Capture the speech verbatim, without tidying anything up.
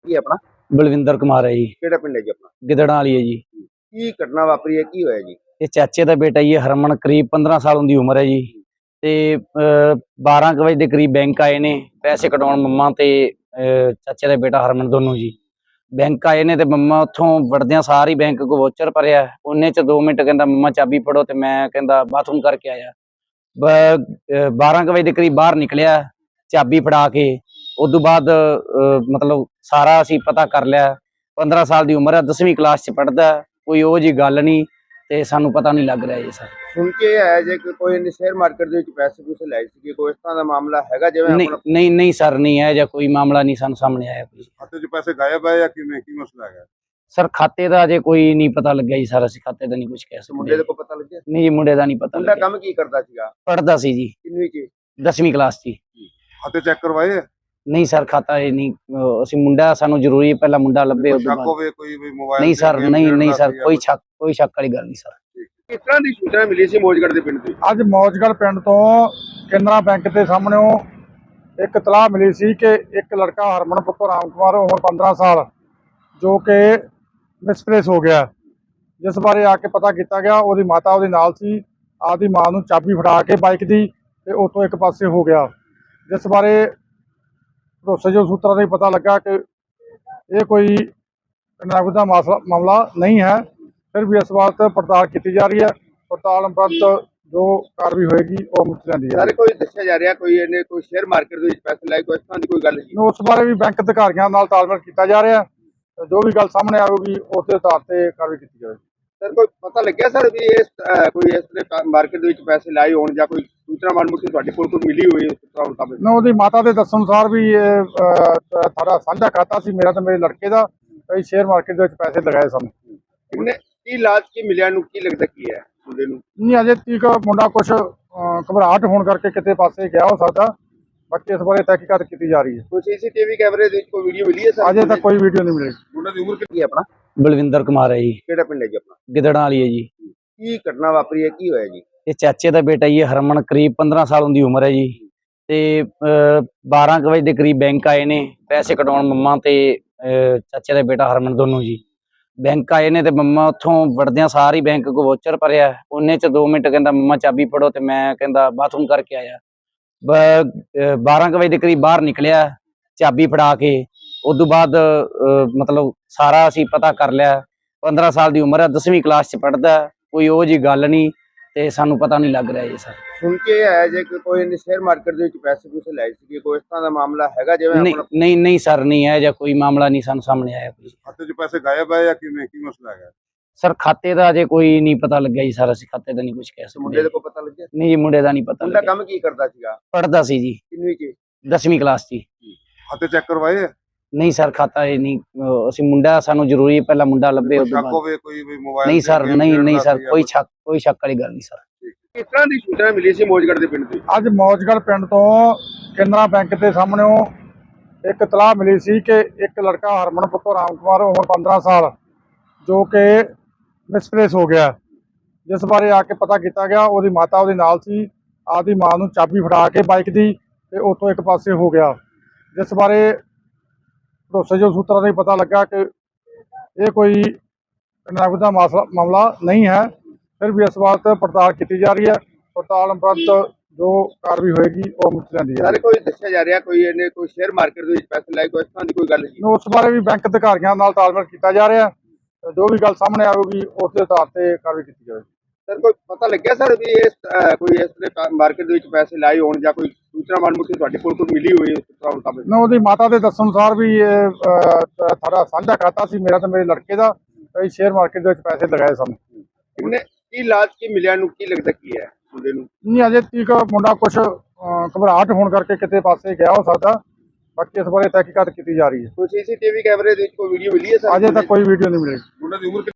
ਕੀ ਆਪਣਾ ਬਲਵਿੰਦਰ ਕੁਮਾਰ ਹੈ ਜੀ। ਕਿਹੜਾ ਪਿੰਡ ਹੈ ਜੀ ਆਪਣਾ? ਗਿੱਦੜਾਂ ਵਾਲੀ ਹੈ ਜੀ। ਕੀ ਘਟਨਾ ਵਾਪਰੀ ਹੈ, ਕੀ ਹੋਇਆ ਜੀ? ਇਹ ਚਾਚੇ ਦਾ ਬੇਟਾ ਜੀ ਹਰਮਨ, ਕਰੀਬ ਪੰਦਰਾਂ ਸਾਲ ਦੀ ਉਮਰ ਹੈ ਜੀ। ਤੇ ਬਾਰਾਂ ਕੁ ਵਜੇ ਦੇ ਕਰੀਬ ਬੈਂਕ ਆਏ ਨੇ ਪੈਸੇ ਕਢਾਉਣ, ਮੰਮਾ ਤੇ ਅਹ, ਚਾਚੇ ਦਾ ਬੇਟਾ ਹਰਮਨ ਦੋਨੋਂ ਜੀ। ਬੈਂਕ ਆਏ ਨੇ ਤੇ ਮੰਮਾ ਉੱਥੋਂ ਵੜਦਿਆਂ ਸਾਰੀ ਬੈਂਕ ਕੋ ਵੋਚਰ ਭਰਿਆ। ਉਹਨੇ ਚ ਦੋ ਮਿੰਟ ਕਹਿੰਦਾ ਮੰਮਾ ਚਾਬੀ ਫੜੋ, ਤੇ ਮੈਂ ਕਹਿੰਦਾ ਬਾਥਰੂਮ ਕਰਕੇ ਆਇਆ। ਬਾਰਾਂ ਕੁ ਵਜੇ ਦੇ ਕਰੀਬ ਬਾਹਰ ਨਿਕਲਿਆ ਚਾਬੀ ਫੜਾ ਕੇ। ਉਦੋਂ ਬਾਅਦ ਮਤਲਬ ਸਾਰਾ ਅਸੀਂ ਪਤਾ ਕਰ ਲਿਆ। ਪੰਦਰਾਂ ਸਾਲ ਦੀ ਉਮਰ ਹੈ, ਦਸਵੀਂ ਕਲਾਸ ਚ ਪੜ੍ਹਦਾ। ਕੋਈ ਉਹ ਜੀ ਗੱਲ ਨਹੀਂ ਤੇ ਸਾਨੂੰ ਪਤਾ ਨਹੀਂ ਲੱਗ ਰਿਹਾ ਜੀ ਸਰ। ਸੁਣ ਕੇ ਆਇਆ ਜੇ ਕਿ ਕੋਈ ਇਹਨੇ ਸ਼ੇਅਰ ਮਾਰਕੀਟ ਦੇ ਵਿੱਚ ਪੈਸੇ ਪੂਸੇ ਲਾਏ ਸੀ, ਕੋਈ ਇਸ ਤਰ੍ਹਾਂ ਦਾ ਮਾਮਲਾ ਹੈਗਾ? ਜਿਵੇਂ ਨਹੀਂ ਨਹੀਂ ਨਹੀਂ ਸਰ, ਨਹੀਂ ਹੈ ਜਾਂ ਕੋਈ ਮਾਮਲਾ ਨਹੀਂ ਸਾਨੂੰ ਸਾਹਮਣੇ ਆਇਆ। ਕੋਈ ਖਾਤੇ 'ਚ ਪੈਸੇ ਗਾਇਬ ਹੈ ਜਾਂ ਕਿਵੇਂ, ਕੀ ਮਸਲਾ ਹੈਗਾ ਸਰ? ਖਾਤੇ ਦਾ ਅਜੇ ਕੋਈ ਨਹੀਂ ਪਤਾ ਲੱਗਿਆ ਜੀ ਸਰ। ਅਸੀਂ ਖਾਤੇ ਦਾ ਨਹੀਂ ਕੁਝ ਕਹਿ ਸਕਦੇ। ਮੁੰਡੇ ਦੇ ਕੋ ਪਤਾ ਲੱਗਿਆ? ਨਹੀਂ ਜੀ, ਮੁੰਡੇ ਦਾ ਨਹੀਂ ਪਤਾ ਮੁੰਡਾ ਲੱਗਿਆ। ਕੰਮ ਕੀ ਕਰਦਾ ਸੀਗਾ? ਪੜ੍ਹਦਾ ਸੀ ਜੀ, ਕਿੰਨਵੀਂ 'ਚ? ਦਸਵੀਂ ਕਲਾਸ ਚ। ਖਾਤੇ ਚੈੱਕ ਕਰਵਾਏ? ਨਹੀਂ ਸਰ, ਖਾਤਾ ਇਹ ਨਹੀਂ। ਅਹ ਅਸੀਂ ਮੁੰਡਾ, ਸਾਨੂੰ ਜ਼ਰੂਰੀ ਹੈ ਪਹਿਲਾਂ ਮੁੰਡਾ ਲੱਭੇ ਉਸ ਤੋਂ ਬਾਅਦ। ਹੋਵੇ ਕੋਈ ਵੀ ਮੋਬਾਈਲ? ਨਹੀਂ ਸਰ, ਨਹੀਂ ਨਹੀਂ ਸਰ, ਕੋਈ ਸ਼ੱਕ ਕੋਈ ਸ਼ੱਕ ਵਾਲੀ ਗੱਲ ਨਹੀਂ ਸਰ। ਕਿਸ ਤਰ੍ਹਾਂ ਦੀ ਸੂਚਨਾ ਮਿਲੀ ਸੀ ਮੌਜਗੜ੍ਹ ਦੇ ਪਿੰਡ ਤੋਂ? ਅੱਜ ਮੌਜਗੜ੍ਹ ਪਿੰਡ ਤੋਂ ਕੇਨਰਾ ਬੈਂਕ ਦੇ ਸਾਹਮਣੇੋਂ ਇੱਕ ਇਤਲਾਹ ਮਿਲੀ ਸੀ ਕਿ ਇੱਕ ਲੜਕਾ ਹਰਮਨ ਪੁੱਤਰ ਰਾਮ ਕੁਮਾਰ, ਉਮਰ ਪੰਦਰਾਂ ਸਾਲ, ਜੋ ਕਿ ਮਿਸਪਲੇਸ ਹੋ ਗਿਆ, ਜਿਸ ਬਾਰੇ ਆ ਕੇ ਪਤਾ ਕੀਤਾ ਗਿਆ। ਉਹਦੀ ਮਾਤਾ ਉਹਦੇ ਨਾਲ ਸੀ। ਆਪਦੀ ਮਾਂ ਨੂੰ ਚਾਬੀ ਫੜਾ ਕੇ ਬਾਈਕ ਦੀ ਤੇ ਉੱਥੋਂ ਇੱਕ ਪਾਸੇ ਹੋ ਗਿਆ, ਜਿਸ ਬਾਰੇ ਭਰੋਸੇਯੋਗ ਸੂਤਰਾਂ ਤੋਂ ਪਤਾ ਲੱਗਾ ਕਿ ਇਹ ਕੋਈ ਨਗਦ ਦਾ ਮਸਲਾ ਮਾਮਲਾ ਨਹੀਂ ਹੈ। ਫਿਰ ਵੀ ਇਸ ਬਾਤ ਪੜਤਾਲ ਕੀਤੀ ਜਾ ਰਹੀ ਹੈ। ਪੜਤਾਲ ਉਪਰੰਤ ਜੋ ਕਾਰਵਾਈ ਹੋਏਗੀ ਉਹ ਮੁੱਕ ਜਾਂਦੀ ਹੈ। ਸਾਰੇ ਕੋਈ ਦੱਸਿਆ ਜਾ ਰਿਹਾ ਕੋਈ ਇਹਨੇ ਕੋਈ ਸ਼ੇਅਰ ਮਾਰਕੀਟ ਦੇ ਵਿੱਚ ਪੈਸੇ ਲਾਏ, ਕੋਈ ਇਸ ਤਰ੍ਹਾਂ ਦੀ ਕੋਈ ਗੱਲ ਨਹੀਂ? ਉਸ ਬਾਰੇ ਵੀ ਬੈਂਕ ਅਧਿਕਾਰੀਆਂ ਨਾਲ ਤਾਲਮੇਲ ਕੀਤਾ ਜਾ ਰਿਹਾ ਹੈ। ਜੋ ਵੀ ਗੱਲ ਸਾਹਮਣੇ ਆਵੇਗੀ ਉਸ ਦੇ ਆਧਾਰ ਤੇ ਕਾਰਵਾਈ ਕੀਤੀ ਜਾਵੇਗੀ। ਸਰ ਕੋਈ ਪਤਾ ਲੱਗਿਆ ਸਰ ਵੀ ਇਸ ਕੋਈ ਇਸ ਤਰ੍ਹਾਂ ਮਾਰਕੀਟ ਦੇ ਵਿੱਚ ਪੈਸੇ ਲਾਏ ਹੋਣ ਜਾਂ ਕੋਈ ਸੂਚਨਾ ਮਾਲੂਮਾਤ ਤੁਹਾਡੇ ਕੋਲ ਕੋਈ ਮਿਲੀ ਹੋਈ ਉਸ ਤਰ੍ਹਾਂ ਮੁਤਾਬਕ? ਨਾ, ਉਹਦੀ ਮਾਤਾ ਦੇ ਦੱਸਣ ਅਨੁਸਾਰ ਵੀ ਇਹ ਸਾਡਾ ਸਾਂਝਾ ਖਾਤਾ ਸੀ, ਮੇਰਾ ਤੇ ਮੇਰੇ ਲੜਕੇ ਦਾ। ਕਈ ਸ਼ੇਅਰ ਮਾਰਕੀਟ ਦੇ ਵਿੱਚ ਪੈਸੇ ਲਗਾਏ ਸਨ। ਇਹਨੇ ਕੀ ਲਾਜ ਕੀ ਮਿਲਿਆ ਨੂੰ, ਕੀ ਲੱਗਦਾ ਕੀ ਹੈ ਮੁੰਡੇ ਨੂੰ? ਨਹੀਂ, ਅਜੇ ਤੀਕ ਮੁੰਡਾ ਕੁਛ ਘਬਰਾਹਟ ਹੋਣ ਕਰਕੇ ਕਿਤੇ ਪਾਸੇ ਗਿਆ ਹੋ ਸਕਦਾ। ਬਾਕੀ ਇਸ ਬਾਰੇ ਤਹਿਕੀਕਾਤ ਕੀਤੀ ਜਾ ਰਹੀ ਹੈ। ਕੋਈ ਸੀਸੀਟੀਵੀ ਕੈਮਰੇ ਦੇ ਵਿੱਚ ਕੋਈ ਵੀਡੀਓ ਮਿਲੀ ਹੈ ਸਰ? ਅਜੇ ਤੱਕ ਕੋਈ ਵੀਡੀਓ ਨਹੀਂ ਮਿਲੀ। ਮੁੰਡੇ ਦੀ ਉਮਰ ਕਿੰਨੀ ਹੈ ਆਪਣਾ? ਬਲਵਿੰਦਰ ਕੁਮਾਰ ਹੈ ਜੀ। ਕਿਹੜਾ ਪਿੰਡ ਹੈ ਜੀ ਆਪਣਾ? ਗਿੱਦੜਾਂ ਵਾਲੀ ਹੈ ਜੀ। ਕੀ ਘਟਨਾ ਵਾਪਰੀ ਹੈ, ਕੀ ਹੋਇਆ ਜੀ? ਇਹ ਚਾਚੇ ਦਾ ਬੇਟਾ ਜੀ ਹਰਮਨ, ਕਰੀਬ ਪੰਦਰਾਂ ਸਾਲ ਦੀ ਉਮਰ ਹੈ ਜੀ। ਤੇ ਬਾਰਾਂ ਕੁ ਵਜੇ ਦੇ ਕਰੀਬ ਬੈਂਕ ਆਏ ਨੇ ਪੈਸੇ ਕਢਾਉਣ, ਮੰਮਾ ਤੇ ਅਹ, ਚਾਚੇ ਦਾ ਬੇਟਾ ਹਰਮਨ ਦੋਨੋਂ ਜੀ। ਬੈਂਕ ਆਏ ਨੇ ਤੇ ਮੰਮਾ ਉੱਥੋਂ ਵੜਦਿਆਂ ਸਾਰੀ ਬੈਂਕ ਕੋ ਵੋਚਰ ਭਰਿਆ। ਉਹਨੇ ਚ ਦੋ ਮਿੰਟ ਕਹਿੰਦਾ ਮੰਮਾ ਚਾਬੀ ਫੜੋ, ਤੇ ਮੈਂ ਕਹਿੰਦਾ ਬਾਥਰੂਮ ਕਰਕੇ ਆਇਆ। ਬਾਰਾਂ ਕੁ ਵਜੇ ਦੇ ਕਰੀਬ ਬਾਹਰ ਨਿਕਲਿਆ ਚਾਬੀ ਫੜਾ ਕੇ। ਉਦੋਂ ਬਾਅਦ ਮਤਲਬ ਸਾਰਾ ਅਸੀਂ ਪਤਾ ਕਰ ਲਿਆ। ਪੰਦਰਾਂ ਸਾਲ ਦੀ ਉਮਰ ਹੈ, ਦਸਵੀਂ ਕਲਾਸ ਚ ਪੜ੍ਹਦਾ। ਕੋਈ ਉਹ ਜੀ ਗੱਲ ਨਹੀਂ ਤੇ ਸਾਨੂੰ ਪਤਾ ਨਹੀਂ ਲੱਗ ਰਿਹਾ ਜੀ ਸਰ। ਸੁਣ ਕੇ ਆਇਆ ਜੇ ਕਿ ਕੋਈ ਇਹਨੇ ਸ਼ੇਅਰ ਮਾਰਕੀਟ ਦੇ ਵਿੱਚ ਪੈਸੇ ਪੂਸੇ ਲਾਏ ਸੀ, ਕੋਈ ਇਸ ਤਰ੍ਹਾਂ ਦਾ ਮਾਮਲਾ ਹੈਗਾ? ਜਿਵੇਂ ਨਹੀਂ ਨਹੀਂ ਨਹੀਂ ਸਰ, ਨਹੀਂ ਹੈ ਜਾਂ ਕੋਈ ਮਾਮਲਾ ਨਹੀਂ ਸਾਨੂੰ ਸਾਹਮਣੇ ਆਇਆ। ਕੋਈ ਖਾਤੇ 'ਚ ਪੈਸੇ ਗਾਇਬ ਹੈ ਜਾਂ ਕਿਵੇਂ, ਕੀ ਮਸਲਾ ਹੈਗਾ ਸਰ? ਖਾਤੇ ਦਾ ਅਜੇ ਕੋਈ ਨਹੀਂ ਪਤਾ ਲੱਗਿਆ ਜੀ ਸਰ। ਅਸੀਂ ਖਾਤੇ ਦਾ ਨਹੀਂ ਕੁਝ ਕਹਿ ਸਕਦੇ। ਮੁੰਡੇ ਦੇ ਕੋ ਪਤਾ ਲੱਗਿਆ? ਨਹੀਂ ਜੀ, ਮੁੰਡੇ ਦਾ ਨਹੀਂ ਪਤਾ ਮੁੰਡਾ ਲੱਗਿਆ। ਕੰਮ ਕੀ ਕਰਦਾ ਸੀਗਾ? ਪੜ੍ਹਦਾ ਸੀ ਜੀ, ਕਿੰਨਵੀਂ 'ਚ? ਦਸਵੀਂ ਕਲਾਸ ਚ। ਖਾਤੇ ਚੈੱਕ ਕਰਵਾਏ? ਨਹੀਂ ਸਰ, ਖਾਤਾ ਇਹ ਨਹੀਂ। ਅਹ ਅਸੀਂ ਮੁੰਡਾ, ਸਾਨੂੰ ਜ਼ਰੂਰੀ ਹੈ ਪਹਿਲਾਂ ਮੁੰਡਾ ਲੱਭੇ ਉਸ ਤੋਂ ਬਾਅਦ। ਹੋਵੇ ਕੋਈ ਵੀ ਮੋਬਾਈਲ? ਨਹੀਂ ਸਰ, ਨਹੀਂ ਨਹੀਂ ਸਰ, ਕੋਈ ਸ਼ੱਕ ਕੋਈ ਸ਼ੱਕ ਵਾਲੀ ਗੱਲ ਨਹੀਂ ਸਰ। ਕਿਸ ਤਰ੍ਹਾਂ ਦੀ ਸੂਚਨਾ ਮਿਲੀ ਸੀ ਮੌਜਗੜ੍ਹ ਦੇ ਪਿੰਡ ਤੋਂ? ਅੱਜ ਮੌਜਗੜ੍ਹ ਪਿੰਡ ਤੋਂ ਕੇਨਰਾ ਬੈਂਕ ਦੇ ਸਾਹਮਣੇੋਂ ਇੱਕ ਇਤਲਾਹ ਮਿਲੀ ਸੀ ਕਿ ਇੱਕ ਲੜਕਾ ਹਰਮਨ ਪੁੱਤਰ ਰਾਮ ਕੁਮਾਰ, ਉਮਰ ਪੰਦਰਾਂ ਸਾਲ, ਜੋ ਕਿ ਮਿਸਪਲੇਸ ਹੋ ਗਿਆ, ਜਿਸ ਬਾਰੇ ਆ ਕੇ ਪਤਾ ਕੀਤਾ ਗਿਆ। ਉਹਦੀ ਮਾਤਾ ਉਹਦੇ ਨਾਲ ਸੀ। ਆਪਦੀ ਮਾਂ ਨੂੰ ਚਾਬੀ ਫੜਾ ਕੇ ਬਾਈਕ ਦੀ ਤੇ ਉੱਥੋਂ ਇੱਕ ਪਾਸੇ ਹੋ ਗਿਆ, ਜਿਸ ਬਾਰੇ ਭਰੋਸੇਯੋਗ ਸੂਤਰਾਂ ਤੋਂ ਪਤਾ ਲੱਗਾ ਕਿ ਇਹ ਕੋਈ ਨਗਦ ਦਾ ਮਸਲਾ ਮਾਮਲਾ ਨਹੀਂ ਹੈ। ਫਿਰ ਵੀ ਇਸ ਬਾਤ ਪੜਤਾਲ ਕੀਤੀ ਜਾ ਰਹੀ ਹੈ। ਪੜਤਾਲ ਉਪਰੰਤ ਜੋ ਕਾਰਵਾਈ ਹੋਏਗੀ ਉਹ ਮੁੱਕ ਜਾਂਦੀ ਹੈ। ਸਾਰੇ ਕੋਈ ਦੱਸਿਆ ਜਾ ਰਿਹਾ ਕੋਈ ਇਹਨੇ ਕੋਈ ਸ਼ੇਅਰ ਮਾਰਕੀਟ ਦੇ ਵਿੱਚ ਪੈਸੇ ਲਾਏ, ਕੋਈ ਇਸ ਤਰ੍ਹਾਂ ਦੀ ਕੋਈ ਗੱਲ ਨਹੀਂ? ਉਸ ਬਾਰੇ ਵੀ ਬੈਂਕ ਅਧਿਕਾਰੀਆਂ ਨਾਲ ਤਾਲਮੇਲ ਕੀਤਾ ਜਾ ਰਿਹਾ ਹੈ। ਜੋ ਵੀ ਗੱਲ ਸਾਹਮਣੇ ਆਵੇਗੀ ਉਸ ਦੇ ਆਧਾਰ ਤੇ ਕਾਰਵਾਈ ਕੀਤੀ ਜਾਵੇਗੀ। ਸਰ ਕੋਈ ਪਤਾ ਲੱਗਿਆ ਸਰ ਵੀ ਇਸ ਕੋਈ ਇਸ ਤਰ੍ਹਾਂ ਮਾਰਕੀਟ ਦੇ ਵਿੱਚ ਪੈਸੇ ਲਾਏ ਹੋਣ ਜਾਂ ਕੋਈ ਸੂਚਨਾ ਮਾਲੂਮਾਤ ਤੁਹਾਡੇ ਕੋਲ ਕੋਈ ਮਿਲੀ ਹੋਈ ਉਸ ਤਰ੍ਹਾਂ ਮੁਤਾਬਕ? ਨਾ, ਉਹਦੀ ਮਾਤਾ ਦੇ ਦੱਸਣ ਅਨੁਸਾਰ ਵੀ ਇਹ ਸਾਡਾ ਸਾਂਝਾ ਖਾਤਾ ਸੀ, ਮੇਰਾ ਤੇ ਮੇਰੇ ਲੜਕੇ ਦਾ। ਕਈ ਸ਼ੇਅਰ ਮਾਰਕੀਟ ਦੇ ਵਿੱਚ ਪੈਸੇ ਲਗਾਏ ਸਨ। ਇਹਨੇ ਕੀ ਲਾਜ ਕੀ ਮਿਲਿਆ ਨੂੰ, ਕੀ ਲੱਗਦਾ ਕੀ ਹੈ ਮੁੰਡੇ ਨੂੰ? ਨਹੀਂ, ਅਜੇ ਤੀਕ ਮੁੰਡਾ ਕੁਛ ਘਬਰਾਹਟ ਹੋਣ ਕਰਕੇ ਕਿਤੇ ਪਾਸੇ ਗਿਆ ਹੋ ਸਕਦਾ। ਬਾਕੀ ਇਸ ਬਾਰੇ ਤਹਿਕੀਕਾਤ ਕੀਤੀ ਜਾ ਰਹੀ ਹੈ। ਕੋਈ ਸੀਸੀਟੀਵੀ ਕੈਮਰੇ ਦੇ ਵਿੱਚ ਕੋਈ ਵੀਡੀਓ ਮਿਲੀ ਹੈ ਸਰ? ਅਜੇ ਤੱਕ ਕੋਈ ਵੀਡੀਓ ਨਹੀਂ ਮਿਲੀ। ਮੁੰਡੇ ਦੀ ਉਮਰ